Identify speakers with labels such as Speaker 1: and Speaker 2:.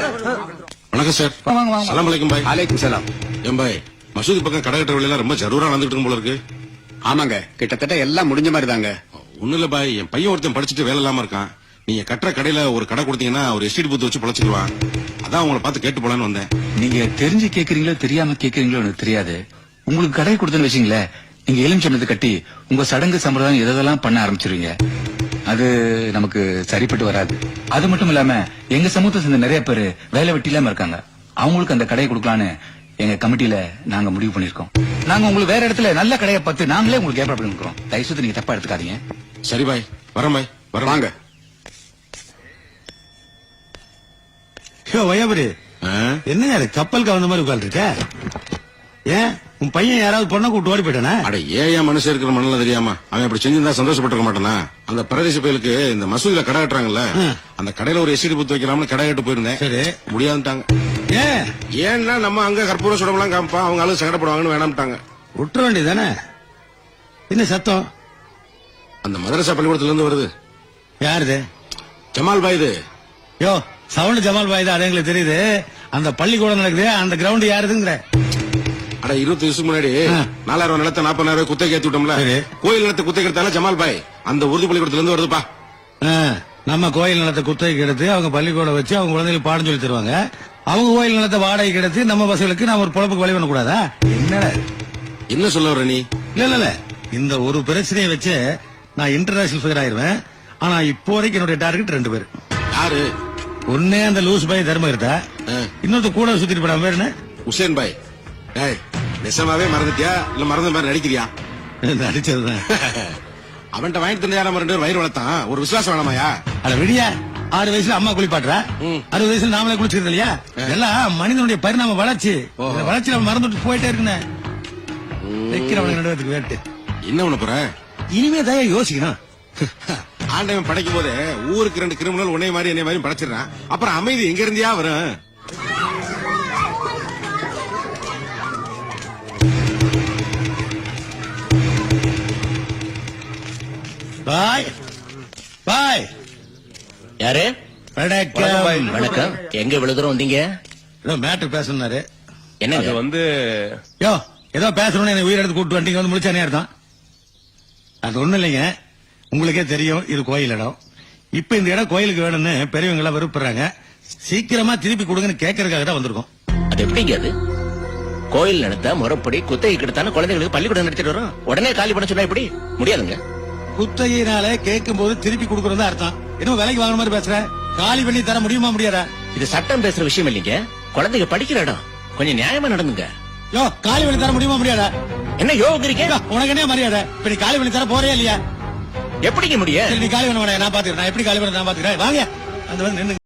Speaker 1: வணக்கம் சார். சலாம் அலைக்கும் பாய்.
Speaker 2: அலைக்கும் சலாம்.
Speaker 1: ஏன் பாய், மசூதி பக்கம் கடை கட்டுற வேலையெல்லாம் ரொம்ப ஜரூரா நடந்துட்டு இருக்கும் போல இருக்கு.
Speaker 2: ஆமாங்க, கிட்டத்தட்ட எல்லாம் முடிஞ்ச மாதிரி தாங்க.
Speaker 1: ஒண்ணு இல்ல பாய், என் பையன் ஒருத்தன் படிச்சுட்டு வேலை இல்லாம இருக்கான். நீங்க கட்டுற கடையில ஒரு கடை கொடுத்தீங்கன்னா ஒரு எஸ்டேட் பூத்து வச்சு பொழைச்சிக்குவான். அதான் உங்களை பார்த்து கேட்டு போலான்னு வந்தேன்.
Speaker 3: நீங்க தெரிஞ்சு கேக்குறீங்களோ தெரியாம கேக்குறீங்களோ எனக்கு தெரியாது. உங்களுக்கு கடை கொடுத்தேன்னு வச்சீங்களேன், நீங்க எலுமிச்சம்பழத்தை கட்டி உங்க சடங்கு சம்பிரதாயம் எதெல்லாம் பண்ண ஆரம்பிச்சிருவீங்க. அது நமக்கு சரிப்பட்டு வராது. அது மட்டும் இல்லாம எங்க சமூகத்தை சேர்ந்த நிறைய பேர் வேலை வெட்டி இல்லாம இருக்காங்க. அவங்களுக்கு அந்த கடையை கொடுக்கலான்னு எங்க கமிட்டியில நாங்க முடிவு பண்ணிருக்கோம். நாங்க உங்களுக்கு வேற இடத்துல நல்ல கடையை பார்த்து நாங்களே உங்களுக்கு ஏற்பாடு பண்ணிருக்கோம். தயவுசெய்து நீங்க தப்பா எடுத்துக்காதீங்க.
Speaker 1: சரி பாய், வரேன் பாய்.
Speaker 2: வாங்க.
Speaker 4: வயபுரி, என்ன கப்பல் கவர்ந்த மாதிரி உட்கார்ந்து இருக்க? ஏன் உன் பையன் யாராவது பொண்ணை கூட்டு ஓடி போயிட்டானா?
Speaker 1: அட ஏன் மனுஷன் இருக்கிற மண்ணல தெரியாம அவன் அப்படி செஞ்சிருந்தா சந்தோஷப்பட்டிருக்க மாட்டானா? அந்த பிரதேச பயலுக்கு இந்த மசூதியில கடை கட்டுறாங்கல்ல, அந்த கடையில ஒரு எஸ்டேட் பூத்து வைக்கலாம்னு கடை கட்டு போயிருந்தேன்.
Speaker 4: சரி,
Speaker 1: முடியாதுட்டாங்க. ஏன்னா நம்ம அங்க கற்பூர சுடமெல்லாம் காமிப்பா, அவங்க ஆளு சங்கடப்படுவாங்கன்னு வேணாம்ட்டாங்க.
Speaker 4: விட்டுற வேண்டியதானே? என்ன சத்தம்?
Speaker 1: அந்த மதரசா பள்ளிக்கூடத்துல இருந்து வருது.
Speaker 4: யாருது?
Speaker 1: ஜமால் பாய். இது
Speaker 4: யோ சவுண்ட் ஜமால் பாய் தான், அது எங்களுக்கு தெரியுது. அந்த பள்ளிக்கூடம் நடக்குது, அந்த கிரவுண்ட் யாருதுங்கிற?
Speaker 1: அட 20 வருஷம் முன்னாடி 4000 நிலத்தை 40,000 குத்தை ஏத்தி விட்டோம்ல, கோயில் நிலத்தை குத்தை எடுத்தால ஜமால் பாய் அந்த உருது பள்ளிக்கூடத்துல இருந்து வருதுப்பா.
Speaker 4: நம்ம கோயில் நிலத்தை குத்தகைக்கு எடுத்து அவங்க பள்ளிக்கூடம் வச்சு அவங்க குழந்தைகளுக்கு பாடம் சொல்லி தருவாங்க. அவங்க கோயில் நிலத்தை வாடகைக்கு எடுத்து நம்ம பசங்களுக்கு நம்ம ஒரு பொழப்புக்கு வழி பண்ண கூடாதா?
Speaker 1: என்ன சொல்ல வர நீ?
Speaker 4: இல்ல இந்த ஒரு பிரச்சனையை வச்சு நான் இன்டர்நேஷனல் ஃபிகர் ஆயிருவேன். ஆனா இப்போதைக்கு என்னுடைய டார்கெட் 2 பேர்.
Speaker 1: யாரு?
Speaker 4: ஒன்னே அந்த லூஸ் பாய் தர்மகிருத்தா, இன்னொருத்த கூட சுத்திட்டு போடாம பேர் என்ன?
Speaker 1: உசேன் பாய். நெசமாவே மறந்துட்டியா இல்ல மறந்த மாதிரி நடிக்கிறியா?
Speaker 4: நடிச்சதுதான்.
Speaker 1: அவன்கிட்ட வாங்கிட்டு தந்தா நம்ம 2 பேரும் வயிறு வளர்த்தான். ஒரு விசுவாசம் வேணாமாயா?
Speaker 4: அட விடியா, 6 வயசுல அம்மா குளிப்பாட்டுறா, 60 வயசுல நாமளே குளிச்சிருது இல்லையா? எல்லாம் மனிதனுடைய பரிணாம வளர்ச்சி. வளர்ச்சி நம்ம மறந்துட்டு போயிட்டே இருக்குன்னு வைக்கிறவனுக்கு 2 பேருக்கு வேட்டு.
Speaker 1: என்ன ஒண்ணு போற?
Speaker 4: இனிமே தான் யோசிக்கணும்.
Speaker 1: ஆண்டவன் படைக்கும் போதே ஊருக்கு 2 கிரிமினல் உன்னை மாதிரி என்னை மாதிரி படைச்சிடறான். அப்புறம் அமைதி எங்க இருந்தியா வரும்?
Speaker 4: பாய் பாய்.
Speaker 5: யாரு?
Speaker 4: வணக்கம்.
Speaker 5: வணக்கம். எங்க இவ்வளவு தூரம் வந்தீங்க?
Speaker 4: மேட்டர் பேசணும்னாரு.
Speaker 5: என்ன
Speaker 4: யோ ஏதோ பேசணும்னு என்ன உயிர் எடுத்து கூட்டு வந்தீங்க, வந்து முடிச்சானே அர்த்தம். அது ஒண்ணும் இல்லைங்க, உங்களுக்கே தெரியும் இது கோயில் இடம். இப்ப இந்த இடம் கோயிலுக்கு வேணும்னு பெரியவங்க எல்லாம் விருப்பறாங்க. சீக்கிரமா திருப்பி கொடுங்கன்னு கேட்கறதுக்காக தான் வந்திருக்கோம்.
Speaker 5: அது எப்படிங்க? அது கோயில் நிலத்தை முறைப்படி குத்தகை கிட்டத்தான குழந்தைகளுக்கு பள்ளிக்கூடம் நடத்திட்டு வரும். உடனே காலி பண்ண சொன்னா எப்படி? முடியாதுங்க.
Speaker 4: குத்தகையினால கேட்கும் போது திருப்பி கொடுக்கறது அர்த்தம். இன்னும் விலைக்கு வாங்குற மாதிரி பேசுற. காலி பண்ணி தர முடியுமா முடியாதா?
Speaker 5: இது சட்டம் பேசுற விஷயம் இல்லைங்க, குழந்தைங்க படிக்கிற இடம். கொஞ்சம் நியாயமா நடந்துங்க.
Speaker 4: யோ காலி பண்ணி தர முடியுமா முடியாதா?
Speaker 5: என்ன யோகிக்கிறீங்க?
Speaker 4: உனக்கு என்ன மரியாதை? இப்ப நீ காலி பண்ணி தர போறே இல்லையா?
Speaker 5: எப்படிங்க முடியும்?
Speaker 4: நீ காலி பண்ண நான் பாத்துக்கிறேன். நான் எப்படி காலி பண்ண நான் பாத்துக்கிறேன். வாங்க அந்த வந்து நின்னு